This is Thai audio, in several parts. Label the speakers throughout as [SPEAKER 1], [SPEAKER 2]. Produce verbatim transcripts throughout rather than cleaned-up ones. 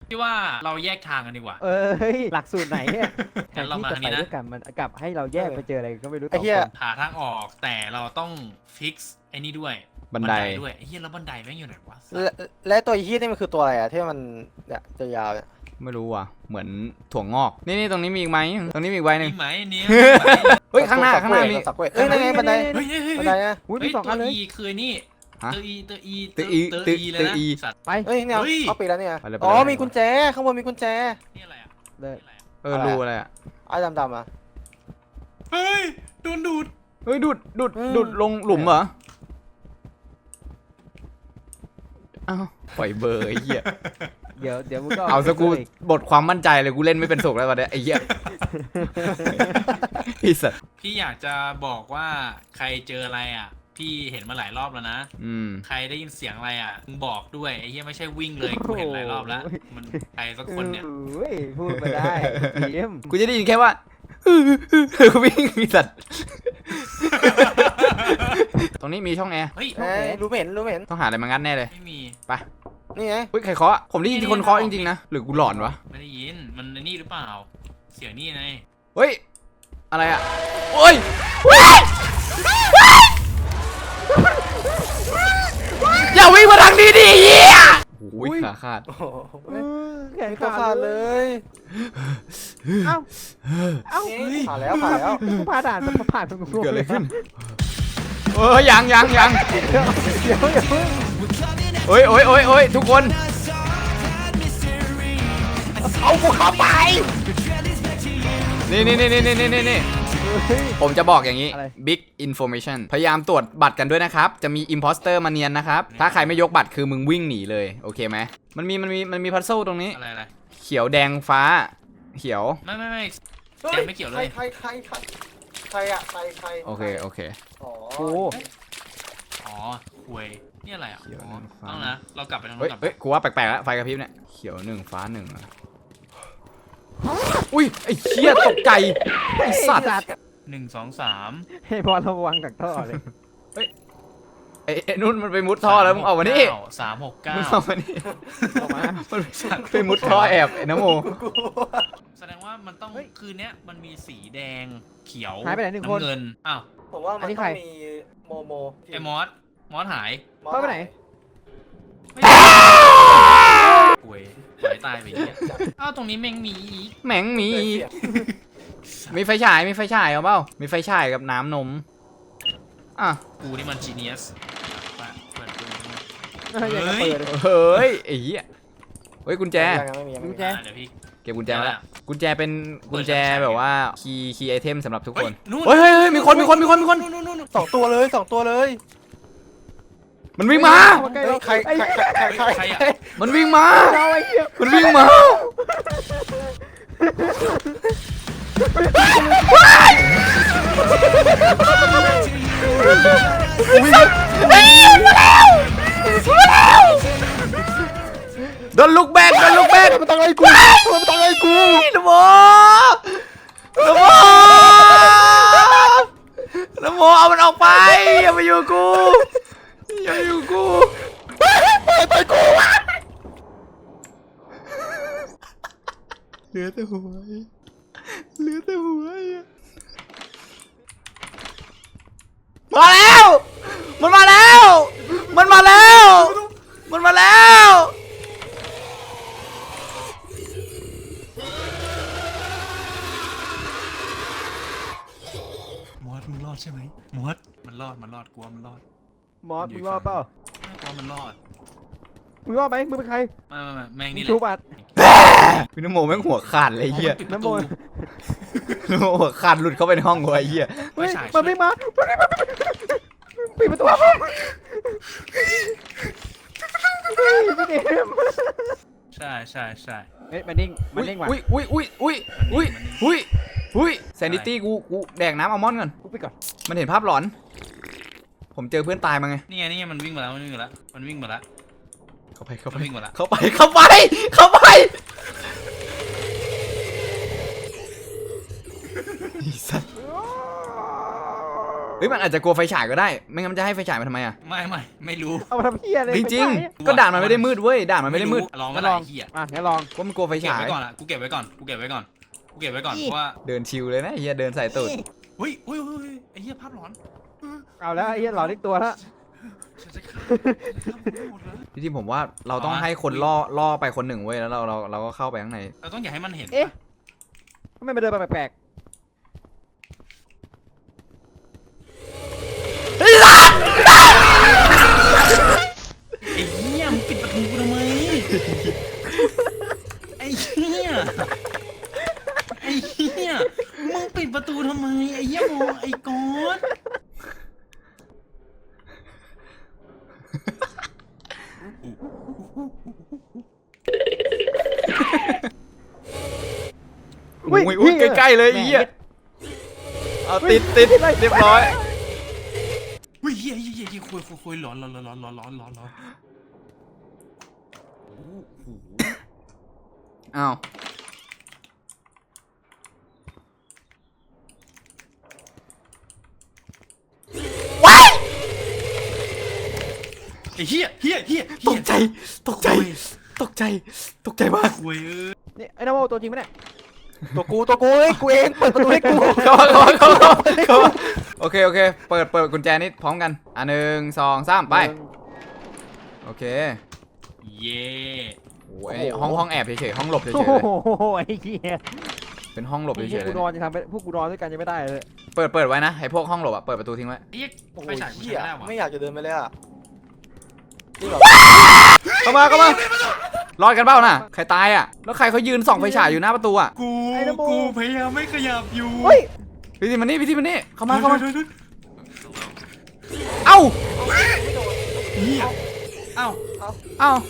[SPEAKER 1] พี่ว่าเราแยกทางกันดีกว่า
[SPEAKER 2] เอ้ยหลักสูตรไหนเนี่ยแท
[SPEAKER 1] งั้
[SPEAKER 2] น
[SPEAKER 1] นเรา
[SPEAKER 2] ที่
[SPEAKER 1] มา
[SPEAKER 2] จะ
[SPEAKER 1] ทาง
[SPEAKER 2] ไป
[SPEAKER 1] นี้นะ
[SPEAKER 2] ด้วยกันมันกลับให้เราแยกไปเจออะไรก็ไม่รู้
[SPEAKER 3] ไอ้เหี้ย
[SPEAKER 2] สงคน
[SPEAKER 1] หาทางออกแต่เราต้องฟิกซ์ไอ้นี่ด้วย
[SPEAKER 4] บันได
[SPEAKER 1] ด้วยไอ้เหี้ยแล้วบันไดแม่งอยู่ไหนวะ
[SPEAKER 3] และและตัวฮีทนี่มันคือตัวอะไรอะที่มันเนี่ยจะยาวเนี่ย
[SPEAKER 4] ไม่รู้ว่ะเหมือนถั่วงอกนี่นี่ตรงนี้มีอีกไหมตรงนี้มีอีกใบหนึ่ง
[SPEAKER 1] มีไหมเนี่ย
[SPEAKER 4] เฮ้ยข้างหน้าข้างหน้ามี
[SPEAKER 3] สักเว้ยเอ้ยนั่นไงบันได
[SPEAKER 1] เฮ้ยเฮ้ยเฮ้ย
[SPEAKER 3] บันไดนะ
[SPEAKER 2] อุ้ย
[SPEAKER 1] เฮ้
[SPEAKER 2] มี
[SPEAKER 1] ย
[SPEAKER 2] สอง
[SPEAKER 1] ตั
[SPEAKER 2] อั
[SPEAKER 1] วน
[SPEAKER 2] เลย
[SPEAKER 1] อีคือนี่
[SPEAKER 4] ฮะ
[SPEAKER 1] ตัวอีตัวอี
[SPEAKER 4] ตัวอี
[SPEAKER 1] ตัว
[SPEAKER 4] ตัว
[SPEAKER 1] อีเลยนะ
[SPEAKER 4] ตัวอี
[SPEAKER 1] สัตว์
[SPEAKER 2] ไป
[SPEAKER 3] เฮ้ยเนี่ย
[SPEAKER 1] เฮ้ย
[SPEAKER 3] เข้าปีแล้วเนี่ย
[SPEAKER 4] ไปเลยไปเลย
[SPEAKER 3] อ๋อมีกุญแจข้างบนมีกุญแจ
[SPEAKER 1] นี่อะไรอ่ะ
[SPEAKER 2] เลย
[SPEAKER 1] นี่อะไรอะ
[SPEAKER 4] เออรูอะไรอ่ะ
[SPEAKER 3] ไอ้ดำๆอ่ะ
[SPEAKER 1] เฮ้ยโดนดูด
[SPEAKER 4] เฮ้ยดูดดูด
[SPEAKER 3] อืม
[SPEAKER 4] ดูดลงหลุมเหรออ้าวปล่อยเบอร์ไอ้เหี้ย
[SPEAKER 2] เดี๋ยวเดี๋ยวมึงก็
[SPEAKER 4] เอาสกู
[SPEAKER 2] อี
[SPEAKER 4] บทความมั่นใจเลยกูเล่นไม่เป็นสุขแล้วตอนเนี้ยไอ้เหี้ยไอ้สัส
[SPEAKER 1] พี่อยากจะบอกว่าใครเจออะไรอ่ะ พี่เห็นมาหลายรอบแล้วนะ
[SPEAKER 4] อืม
[SPEAKER 1] ใครได้ยินเสียงอะไรอ่ะมึงบอกด้วยไอ้เหี้ยไม่ใช่วิ่งเลยกูเห็นหลายรอบแล้วมันใครสักคนเนี่ย
[SPEAKER 2] เอ้ยพูดมาได้พีเอ็ม
[SPEAKER 4] กูจะได้ยินแค่ว่าวิ่งไอ้สัสตรงนี้มีช่องแอร์
[SPEAKER 1] เฮ้ย
[SPEAKER 3] เอ้ยรู้ไม่เห็นรู้ไม่เห็น
[SPEAKER 4] ต้องหาอะไรมางัดแน่เลย
[SPEAKER 1] ไม่มี
[SPEAKER 4] ไป
[SPEAKER 3] นี่ไง
[SPEAKER 4] เฮ้ยใครเคาะผมได้ยินคนเคาะจริงๆนะหรือกูหลอนวะ
[SPEAKER 1] ไม่ได้ยินมันไอ้นี่หรือเปล่า เสียงนี่ไง
[SPEAKER 4] เฮ้ยอะไรอ่ะโอ้ยอย่าวิ่งมาทางนี้ดิเหี้ยโอ้ยขาขาด
[SPEAKER 3] โอ้โห
[SPEAKER 2] เออแขน
[SPEAKER 3] มีตัว
[SPEAKER 2] ขา
[SPEAKER 3] ขา
[SPEAKER 2] ด
[SPEAKER 3] ด
[SPEAKER 2] เล
[SPEAKER 3] เลย ย
[SPEAKER 2] เอ้าเอ้า
[SPEAKER 3] นี่ผ่านแล้วผ่านแล้ว
[SPEAKER 2] กูผ่านด่านมันผ่านตรงกู
[SPEAKER 4] เกิดอะไรขึ้นเออยังยังยัง
[SPEAKER 2] เดี๋ยวเดี๋ยวอย่าเพิ่ง
[SPEAKER 4] โอ้ยโอ้ยโอ้ยโอ้ยทุกคน
[SPEAKER 3] เอากูเข้าไป
[SPEAKER 4] นี่นี่นี่นี่นี่นี่นี่
[SPEAKER 2] เฮ้ย
[SPEAKER 4] ผมจะบอกอย่างนี้
[SPEAKER 2] อะไร
[SPEAKER 4] Big Information พยายามตรวจบัตรกันด้วยนะครับ จะมี Imposter มาเนียนนะครับ ถ้าใครไม่ยกบัตรคือมึงวิ่งหนีเลย โอเคไหม มันมีมันมีมันมีพัซเซิลตรงนี้
[SPEAKER 1] อะไรอะไร
[SPEAKER 4] เขียวแดงฟ้า เขียว
[SPEAKER 1] ไม่ไม่ไม่
[SPEAKER 3] ฮ้
[SPEAKER 1] ยังไม่เกี่ยวเลย
[SPEAKER 3] ใครใครใครใครใครอะใครใคร
[SPEAKER 4] โอเค โอเค
[SPEAKER 3] อ๋อ
[SPEAKER 2] โอ้
[SPEAKER 1] อ๋อคุยนี่อะไรอ่ะ
[SPEAKER 4] เขียว
[SPEAKER 1] อ๋อ
[SPEAKER 4] นั่นฟ้า
[SPEAKER 1] ต้องนะเรากลับไปทางนู้
[SPEAKER 4] เฮ้ย
[SPEAKER 1] นกลับ
[SPEAKER 4] เฮ้ยกูว่าแปลกๆแล้วไฟกระพริบเนี่ย เขียวหนึ่งฟ้าหนึ่งอะอุ้ย ไอ้เชี่ยตกใจ ไอ้สัตว์
[SPEAKER 1] หนึ่งสองสาม
[SPEAKER 2] ให้บอลระวังจากท่อเลย
[SPEAKER 4] ไอ้ไอ้นุ่นมันไปมุดท่อแล้วมึงออกมานี่
[SPEAKER 1] สามหกเก้า
[SPEAKER 4] มึงออกมานี่
[SPEAKER 2] ออกมา
[SPEAKER 4] มันไปมุดท่อแอบไอ้น้ำโม
[SPEAKER 1] แสดงว่ามันต้องคืนเนี้ยมันมีสีแดงเขียว
[SPEAKER 2] หายไปไหนหนึ่งคน
[SPEAKER 1] ำเงินอ้าว
[SPEAKER 3] ผมว่า
[SPEAKER 2] อั
[SPEAKER 3] มัน น
[SPEAKER 2] นี้
[SPEAKER 3] ต้
[SPEAKER 2] ใค
[SPEAKER 3] อ
[SPEAKER 2] ร
[SPEAKER 3] งมีโมโม
[SPEAKER 1] ไอ้มอสมอสหาย
[SPEAKER 3] มอส
[SPEAKER 2] เข้าไปไหน
[SPEAKER 1] ป่วยป่วยตายไปเหี้ยอ้าวตรงนี้แม่งมีอีก
[SPEAKER 4] แหม่งมี
[SPEAKER 3] เสียบ
[SPEAKER 4] มีไฟฉาย มีไฟฉายเอาเปล่า มีไฟฉายกับน้ำนม อ่ะ
[SPEAKER 1] กูนี่มันจีเนียสเปิดเปิดดู
[SPEAKER 2] เฮ้ยอย่าเปิดเลย
[SPEAKER 4] เฮ้ยไอ้เหี้ยเฮ้ยกุญแจ
[SPEAKER 3] ยังไม่มียังไม่
[SPEAKER 2] กุ
[SPEAKER 3] มี
[SPEAKER 2] ญแจ
[SPEAKER 1] เดี๋ยวพี่
[SPEAKER 4] เก็บกุญแจมาแล้วกุญแจเป็นกุญแจแบบว่าคีย์คีย์ไอเทมสำหรับทุกคน
[SPEAKER 1] นู่น
[SPEAKER 4] เฮ้ยเฮ้ยเฮ้ยมีคนมีคนมีคนมีคน
[SPEAKER 1] นู่นนู่นนู่น
[SPEAKER 3] สองตัวเลยสองตัวเลย
[SPEAKER 4] มันวิ่งมา
[SPEAKER 2] เข้ามาใกล้
[SPEAKER 3] เฮ้ยใครใครใครใครใคร
[SPEAKER 1] ใครอะ
[SPEAKER 4] มันวิ่งมา
[SPEAKER 2] เราไอ้เหี้ย
[SPEAKER 4] มันวิ่งมา โดนลูกแบกโดนลูกแบก
[SPEAKER 3] มันตั้งไอ้กูมันตั้งไอ้กู
[SPEAKER 4] นโมนโมนโมเอามันออกไปอย่ามาอยู่กับกูอย่ามาอยู่กับกู
[SPEAKER 3] ไปไปกูวะ
[SPEAKER 4] เหลือแต่หัวเหลือแต่หัวมาแล้ว มันมาแล้ว มันมาแล้ว มันมาแล้ว
[SPEAKER 1] มอสมึงรอดใช่ไหมมอสมันรอดมันรอดกลัวมันรอด
[SPEAKER 2] มอสมึงรอดเปล่า
[SPEAKER 1] ไม่กลัวมันรอด
[SPEAKER 2] มึงรอดไหมมึงเป็นใคร
[SPEAKER 1] ไม่ไม่ไม่แม่ง
[SPEAKER 2] มึ
[SPEAKER 1] นี่
[SPEAKER 2] ง
[SPEAKER 1] แห
[SPEAKER 2] ชู
[SPEAKER 1] ละ
[SPEAKER 2] บัตร
[SPEAKER 4] พี่น้ำโมแม่งหัวขาดเลยไอ้เหี้ย
[SPEAKER 1] ปิดประ
[SPEAKER 2] น้ำ
[SPEAKER 1] ตู
[SPEAKER 2] มนต์
[SPEAKER 4] น้ำโมหัวขาดหลุดเข้าไปในห้องกูไอ้เหี้ย
[SPEAKER 2] เฮ้ย
[SPEAKER 1] ไม่ใช่
[SPEAKER 2] มันไม่มาปิดประตูไม่เดม
[SPEAKER 1] ใช่ใช่ใช่
[SPEAKER 2] เฮ้ยมันนิ่งมันนิ่งว่ะ
[SPEAKER 4] อุ้ยอุ้ยอุ้ยอุ้ยอุ้ยอุ้ยอุ้ยแซนดิตี้กูกูแดกน้ำอัลมอนด์ก่อน
[SPEAKER 2] กูไปก่อน
[SPEAKER 4] มันเห็นภาพหลอน ผมเจอเพื่อนตายมาไง
[SPEAKER 1] นี่ไงนี่ไงมันวิ่งมาแล้วมันวิ่งมาแล้วมันวิ่งมาแล้ว
[SPEAKER 4] เข้าไปเข้าไป
[SPEAKER 1] มันวิ่งมาแล้ว
[SPEAKER 4] เข้าไปเข้าไปเข้าไปไอ้สัสเฮ้ยมันอาจจะกลัวไฟฉายก็ได้ไม่งั้นมันจะให้ไฟฉายมาทำไมอ่ะ
[SPEAKER 1] ไม่ไม่ไม่รู้
[SPEAKER 2] เอามาทำเหี้ยเลย
[SPEAKER 4] จริงๆก็ด่านมันไม่ได้มืดเว้ยด่านมันไม่ได้มืด
[SPEAKER 1] ลองก็
[SPEAKER 2] งั้น
[SPEAKER 1] ได้
[SPEAKER 2] ลอง
[SPEAKER 1] เหี้ย
[SPEAKER 2] อ่ะงั้นลอง
[SPEAKER 4] ว่ามันกลัวไฟ
[SPEAKER 1] เก็บ
[SPEAKER 4] ฉาย
[SPEAKER 1] ไว้ก่อนอะกูเก็บไว้ก่อนกูเก็บไว้ก่อนกูเก็บไว้ก่อน
[SPEAKER 2] อี
[SPEAKER 1] เพราะว่า
[SPEAKER 4] เดินชิวเลยนะเฮียเดินใส่ตูด
[SPEAKER 1] เฮ้ยเฮ้ยเฮ้ยไอ้เหี้ยภาพหลอน
[SPEAKER 2] เอาแล้วไอ้เหี้ยหลอนอีกตัวแล้ว
[SPEAKER 1] ฉันจะฆ่าหมดเลย
[SPEAKER 4] พี่ที่ผมว่าเราต้องให้คนล่อล่อไปคนหนึ่งเว้ยแล้วเราเราเราก็เข้าไปข้างใน
[SPEAKER 1] เราต้องอย่าให้มันเห็น
[SPEAKER 2] เอ๊ะทำไมมาเดินมาแปลก
[SPEAKER 1] ไอ้เหี้ยมึงปิดประตูกูทำไมไอ้เหี้ยไอ้เหี้ยมึงปิดประตูทำไมไอ้เหี้ยโมไอ้ก๊อต
[SPEAKER 2] ๆ
[SPEAKER 4] อุ้ยอุ้ยใกล้ๆเลยไอ้เฮียเอาติดติดเรียบร้อย
[SPEAKER 1] อุ้ยเหี้ยเหี้ยเหี้ยเหี้ยคุยคุยคุยหลอนหลอนหลอนหลอนหลอนหลอนหลอน
[SPEAKER 4] อ้าว
[SPEAKER 1] ไอ้เหี้ยเหี้ยเหี้ย
[SPEAKER 4] ตกใจตกใจตกใจตกใจมาก
[SPEAKER 1] คุยเออ
[SPEAKER 2] นี่ไอ้น้ำโมตัวจริงไหมเนี่ย
[SPEAKER 3] ตัวกูตัวกูเฮ้ยกูเองเปิดประตูให้กู
[SPEAKER 4] เข้ามาเข้ามาเข้ามาเข้ามาโอเคโอเคเปิดเปิดกุญแจนี่พร้อมกันอ่ะหนึ่งสองสามไปโอเค
[SPEAKER 1] เย่
[SPEAKER 4] โอ้ยห้องห้องแอบเฉยๆห้องหลบเฉย
[SPEAKER 2] โอ้
[SPEAKER 4] ๆเลย
[SPEAKER 2] โหไอ้เหี้ย
[SPEAKER 4] เป็นห้องหลบ
[SPEAKER 2] พว
[SPEAKER 4] เฉยๆ
[SPEAKER 2] ก
[SPEAKER 4] เล
[SPEAKER 2] กู
[SPEAKER 4] ย
[SPEAKER 2] นอนจะทำไปพวกกูนอนด้วยกันยังไม่ได้เลย
[SPEAKER 4] เปิดเปิดไว้นะไอ้พวกห้องหลบอะเปิดประตูทิ้งไว้
[SPEAKER 1] ไอ้เหี้ย
[SPEAKER 3] โอ้โห
[SPEAKER 1] ไปฉายกู
[SPEAKER 3] เหี้
[SPEAKER 1] ใช้
[SPEAKER 3] ย
[SPEAKER 1] ได้วะ
[SPEAKER 3] ไม่อยากจะเดินไปเลยอ่ะนี่แบบ
[SPEAKER 4] เข้ามาเข้ามารอดกันเปล่าน่ะใครตายอ่ะแล้วใครเขายืนส่องไฟฉายอยู่หน้าประตูอ่ะ
[SPEAKER 1] กูกูพยายามไม่ขยับอยู่
[SPEAKER 2] เฮ้ย
[SPEAKER 4] พี่ทีมันนี่พี่ทีมันนี่เข้ามาเข้ามา
[SPEAKER 1] เดี๋ยวเดี๋ยวเดี๋ยว
[SPEAKER 4] เอ้า
[SPEAKER 1] เหี้ยเอ้า
[SPEAKER 4] เอ้า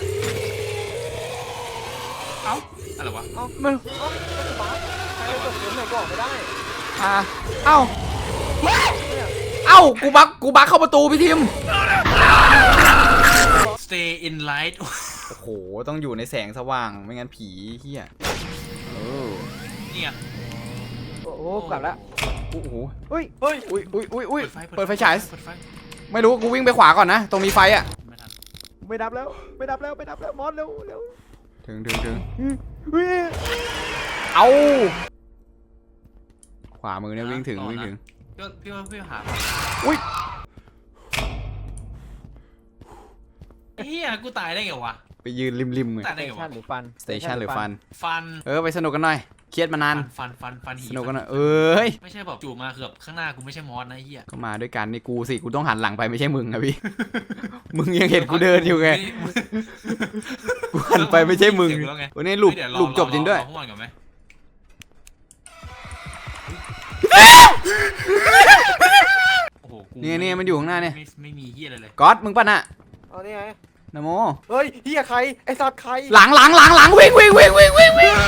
[SPEAKER 1] เอ้าอะไรวะ
[SPEAKER 4] มัน
[SPEAKER 3] ใครเปิดเสียงหน่อยก็ออกไม่ได้
[SPEAKER 4] อ่าเอ้าเอ้ากูบักกูบักเข้าประตูพี่ทีม
[SPEAKER 1] stay in light
[SPEAKER 4] โอ้โหต้องอยู่ในแสงสว่างไม่งั้นผีเฮียเออ
[SPEAKER 1] เนี่ย
[SPEAKER 2] โอ้โหกลับแล้ว
[SPEAKER 4] โอ้โห
[SPEAKER 2] เฮ้ย
[SPEAKER 3] เฮ้ย
[SPEAKER 4] อุ้ยอุ้ยอุ้ยอุ้ย
[SPEAKER 1] เปิ
[SPEAKER 4] เปิ
[SPEAKER 1] ด
[SPEAKER 4] ด
[SPEAKER 1] ไฟ
[SPEAKER 4] ไฟฉาย
[SPEAKER 1] เปิดไฟ
[SPEAKER 4] ไม่รู้กูวิ่งไปขวาก่อนนะตรงมีไฟอ่ะ
[SPEAKER 1] ไม่ทัน
[SPEAKER 2] ไม่ดับแล้วไม่ดับแล้วไม่ดับแล้วมอสเร็วเร็ว
[SPEAKER 4] ถึงถึงถึง
[SPEAKER 2] เฮ้ย
[SPEAKER 4] เอาขวามือเนี่ยวิ่งถึงวิ่งถึง
[SPEAKER 1] พี่ว่าพี่ว่าพี่หา
[SPEAKER 4] อุ้ย
[SPEAKER 1] เฮียกูตายได้ไงวะ
[SPEAKER 4] ไปยืนริมริมเลย
[SPEAKER 1] ตาย
[SPEAKER 2] ส
[SPEAKER 1] ได้
[SPEAKER 2] เต
[SPEAKER 1] ไง
[SPEAKER 2] ชั
[SPEAKER 1] วะ
[SPEAKER 2] นหรือฟัน
[SPEAKER 4] สเตชันหรือฟัน
[SPEAKER 1] ฟัน
[SPEAKER 4] เออไปสนุกกันหน่อยเครียดมานาน
[SPEAKER 1] ฟันฟันฟันหี
[SPEAKER 4] สนุกกันหน่อยเอ้ย
[SPEAKER 1] ไม่ใช่แบบจู่มาเกือบข้างหน้ากูไม่ใช่มอสนะไอ้เฮีย
[SPEAKER 4] ก็มาด้วยกันนี่กูสิกูต้องหันหลังไปไม่ใช่มึงอะพี่ มึงยังเห็นกูเดินอยู่ไงกูหันไปไม่ใช่มึงวันนี้หลุบหลุบจบจริงด้วย
[SPEAKER 1] รอข้างบนก่อนไหมโอ้โหกู
[SPEAKER 4] เนี่ยเนี่ยมันอยู่ข้างหน้าเนี่ย
[SPEAKER 1] ไม่ไม่มีเฮียอะไรเลย
[SPEAKER 4] ก๊อตมึงป่ะน่ะ
[SPEAKER 3] เอานี่ไง
[SPEAKER 4] นะโม
[SPEAKER 3] เฮ้ยเฮียใครไอ้สัตว์ใคร
[SPEAKER 4] หลังหลังหลังหลังวิ่งวิ่งวิ่งวิ่งวิ่งวิ่ง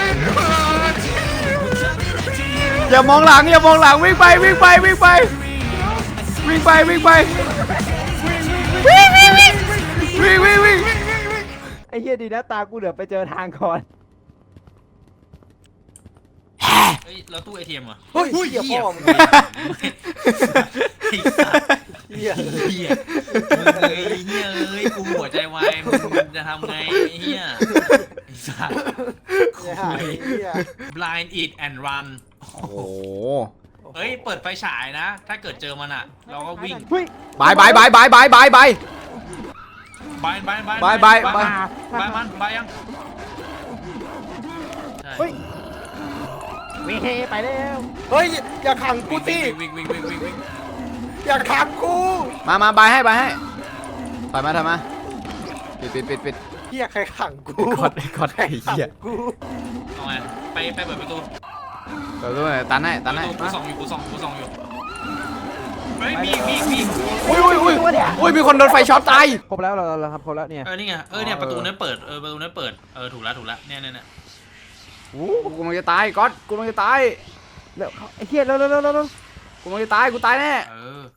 [SPEAKER 4] อย่ามองหลังอย่ามองหลังวิ่งไปวิ่งไปวิ่งไปวิ่งไปวิ่งไปวิ่งวิ่งวิ่งวิ่งวิ่งวิ่ง
[SPEAKER 2] ไอ้เหี้ยดีนะตากูเหลือไปเจอทางก่อน
[SPEAKER 1] เฮ้ยแล้วตู้เอทีเอ็มอ่ะ
[SPEAKER 3] เฮ้ยเฮียพ่อมึง
[SPEAKER 1] ไอ้สัส
[SPEAKER 3] เฮีย
[SPEAKER 1] เฮียมึงเอ้ยเฮียเอ้ยกูหัวใจวายมึงจะทำไงไอ้เฮียไอ้สัส
[SPEAKER 3] เฮียหายเฮีย
[SPEAKER 1] blind eat and run
[SPEAKER 4] โอ้โห
[SPEAKER 1] เฮ้ยเปิดไฟฉายนะ ถ้าเกิดเจอมันอ่ะ เราก็วิ่ง
[SPEAKER 2] เฮ้ย
[SPEAKER 4] บายบายบายบายบายบายบาย
[SPEAKER 1] บายบายบาย
[SPEAKER 4] บายบาย
[SPEAKER 1] บายบายมันบายยังใช่
[SPEAKER 2] เฮ้ยเว้ยไปแล้ว
[SPEAKER 3] เฮ้ยอย่าขังกูสิ
[SPEAKER 1] วิ่งวิ่งวิ่งวิ่งวิ่งวิ่ง
[SPEAKER 3] อย่าขังกู
[SPEAKER 4] มามาบายให้บายให้ถอยมาถอยมาปิดปิดปิดปิด
[SPEAKER 3] เฮียใครขังกู
[SPEAKER 4] กดกดไอ้
[SPEAKER 3] ขัง
[SPEAKER 4] เหี้ย
[SPEAKER 3] กู
[SPEAKER 1] เอาไงไปไปเปิดประตู
[SPEAKER 4] เปิดด้วยตันให้ตันให้
[SPEAKER 1] กูส่องอยู่กูส่องกูส่องอยู่เฮ้ยมีมีมี
[SPEAKER 4] อุ้ยอุ้ยอุ้ยอุ้ยมีคนโดนไฟช็อตตาย
[SPEAKER 2] ครบแล้วเราเราทำครบแล้วเนี่ย
[SPEAKER 1] เออนี่ไงเออเนี่ยประตูนั้นเปิดเออประตูนั้นเปิดเออถูกแล้วถูกแล้วเนี่ยเนี่ยเนี่ย
[SPEAKER 4] โอ้กูกำลังจะตายก๊อตกูกำลังจะตาย
[SPEAKER 2] แล้วไอ้เหี้ยเร็วเร็วเร็วเร็ว
[SPEAKER 4] กูกำลังจะตายกูตายแน่
[SPEAKER 1] เออ